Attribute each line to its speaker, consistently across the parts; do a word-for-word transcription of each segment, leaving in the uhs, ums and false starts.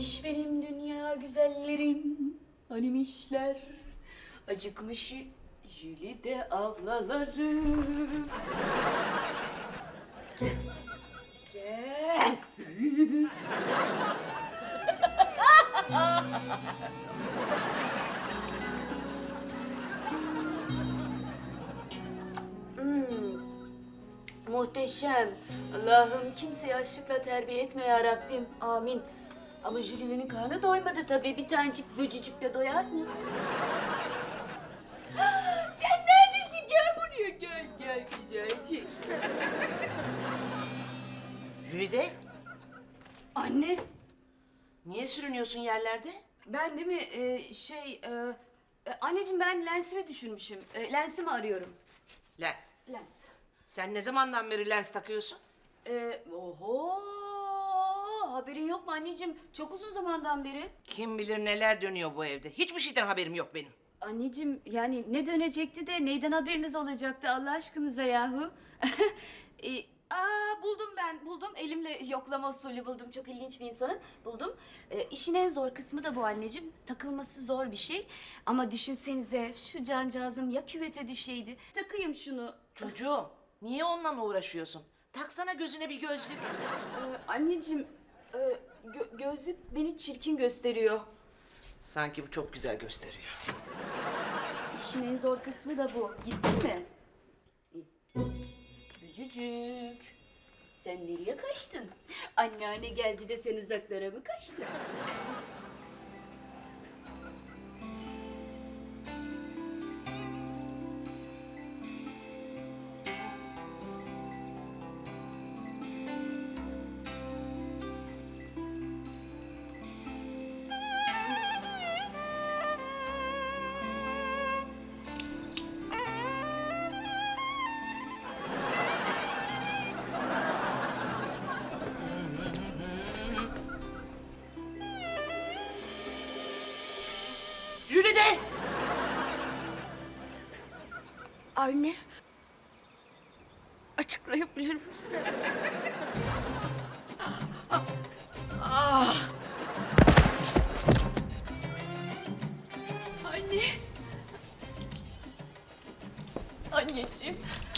Speaker 1: Hanimiş benim dünya güzellerim, hanimişler. Acıkmış Jülide ablalarım. Gel. Hmm, muhteşem. Allah'ım kimseyi açlıkla terbiye etme ya Rabbim. Amin. Ama Jülide'nin karnı doymadı tabii. Bir tanecik böcücükle doyar mı? Sen neredesin? Gel buraya. Gel, gel güzel şey.
Speaker 2: Jülide,
Speaker 1: Anne,
Speaker 2: niye sürünüyorsun yerlerde?
Speaker 1: ben değil mi e, şey... E, e, anneciğim ben lensimi düşürmüşüm. E, lensimi arıyorum.
Speaker 2: Lens.
Speaker 1: Lens.
Speaker 2: Sen ne zamandan beri lens takıyorsun?
Speaker 1: E, oho! Haberin yok mu anneciğim? Çok uzun zamandan beri.
Speaker 2: Kim bilir neler dönüyor bu evde. Hiçbir şeyden haberim yok benim.
Speaker 1: Anneciğim yani ne dönecekti de neyden haberiniz olacaktı Allah aşkınıza yahu? e, aa buldum ben buldum elimle yoklama usulü buldum çok ilginç bir insanım buldum. E, işin en zor kısmı da bu anneciğim takılması zor bir şey ama düşünsenize şu cancağızım ya küvete düşeydi takayım şunu.
Speaker 2: Çocuğum, niye onunla uğraşıyorsun? Taksana gözüne bir gözlük.
Speaker 1: E, anneciğim e, gö- gözlük beni çirkin gösteriyor.
Speaker 2: Sanki bu çok güzel gösteriyor.
Speaker 1: İşin en zor kısmı da bu. Gittin mi? Bücücük. Sen nereye kaçtın? Anneanne geldi de sen uzaklara mı kaçtın?
Speaker 2: Jülide!
Speaker 1: Anne. Açıklayabilir miyim?
Speaker 2: Ah!
Speaker 1: Anne. Anneciğim.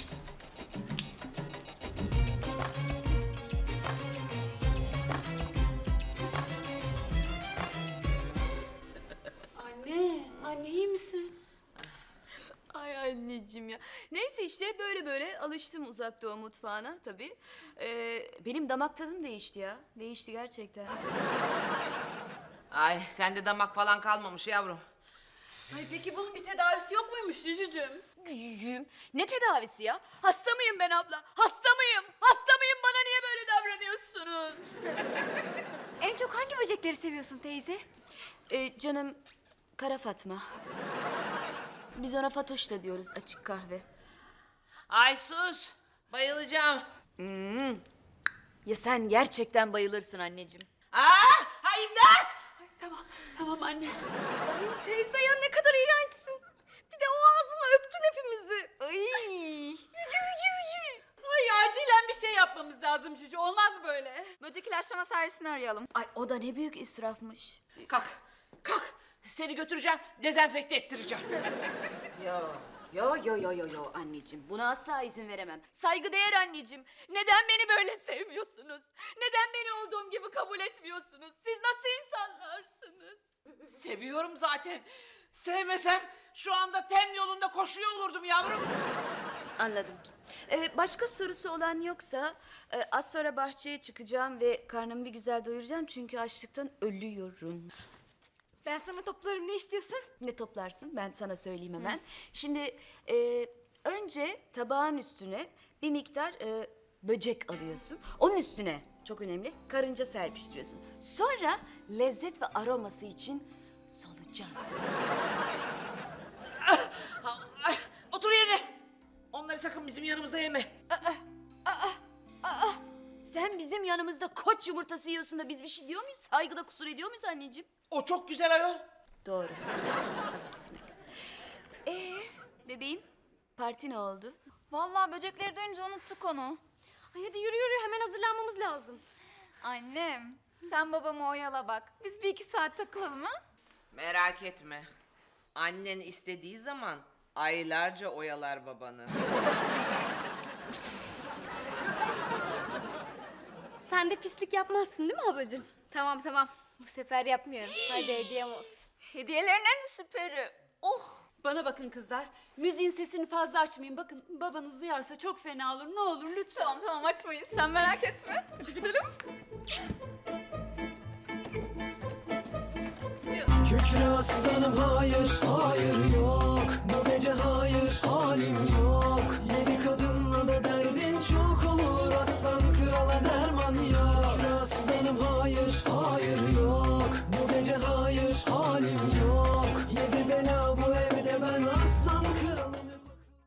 Speaker 1: Anne, anne iyi misin? Ay anneciğim ya. Neyse işte böyle böyle alıştım uzak doğu mutfağına tabii. Ee, benim damak tadım değişti ya. Değişti gerçekten.
Speaker 2: Ay, sende damak falan kalmamış yavrum.
Speaker 1: Ay peki bunun bir tedavisi yok muymuş Cücücüğüm? Cücücüğüm. Ne tedavisi ya? Hasta mıyım ben abla? Hasta mıyım? Hasta mıyım? Bana niye böyle davranıyorsunuz?
Speaker 3: En çok hangi böcekleri seviyorsun teyze?
Speaker 1: Ee, canım Kara Fatma. Biz ona Fatoş da diyoruz açık kahve.
Speaker 2: Ay sus! Bayılacağım.
Speaker 1: Ya sen gerçekten bayılırsın anneciğim.
Speaker 2: Ah! Ay imdat!
Speaker 1: Ay, tamam, tamam anne.
Speaker 3: Ay teyze ya ne kadar iğrençsin. Bir de o ağzınla öptün hepimizi. Ay.
Speaker 4: Ay acilen bir şey yapmamız lazım Cücü. Olmaz böyle.
Speaker 3: Böcek ilaçlama servisini arayalım.
Speaker 1: Ay o da ne büyük israfmış.
Speaker 2: Kalk, kalk. Seni götüreceğim, dezenfekte ettireceğim.
Speaker 1: Yo, yo, yo, yo, yo, yo anneciğim. Buna asla izin veremem. Saygıdeğer anneciğim. Neden beni böyle sevmiyorsunuz? Neden beni olduğum gibi kabul etmiyorsunuz? Siz nasıl insanlarsınız?
Speaker 2: Seviyorum zaten. Sevmesem şu anda tem yolunda koşuyor olurdum yavrum.
Speaker 1: Anladım. Ee, başka sorusu olan yoksa e, az sonra bahçeye çıkacağım ve karnımı bir güzel doyuracağım çünkü açlıktan ölüyorum.
Speaker 3: Ben sana toplarım, ne istiyorsun?
Speaker 1: Ne toplarsın? Ben sana söyleyeyim hemen. Şimdi e, önce tabağın üstüne bir miktar e, böcek alıyorsun. Onun üstüne çok önemli karınca serpiştiriyorsun. Sonra lezzet ve aroması için solucan.
Speaker 2: Ay, otur yerine. Onları sakın bizim yanımızda yeme.
Speaker 1: Sen bizim yanımızda koç yumurtası yiyorsun da biz bir şey diyor muyuz? Saygıda kusur ediyor muyuz anneciğim?
Speaker 2: O çok güzel ayol.
Speaker 1: Doğru. Haklısınız. Ee, bebeğim parti ne oldu?
Speaker 3: Vallahi böcekleri duyunca unuttuk onu. Ay hadi yürü yürü, hemen hazırlanmamız lazım.
Speaker 4: Annem
Speaker 3: Sen babamı oyala bak. Biz bir iki saat takılalım ha?
Speaker 2: Merak etme. Annen istediği zaman aylarca oyalar babanı.
Speaker 3: Sen de pislik yapmazsın değil mi ablacığım? Tamam tamam. Bu sefer yapmıyorum. Hadi hediyem olsun. Hediyelerin en süperi. Oh.
Speaker 4: Bana bakın kızlar. Müziğin sesini fazla açmayın. Bakın babanız duyarsa çok fena olur. Ne olur lütfen.
Speaker 3: Tamam tamam açmayız. Sen merak etme. Hadi gidelim.
Speaker 5: Kükre aslanım hayır, hayır yok. Bu gece hayır, halim yok.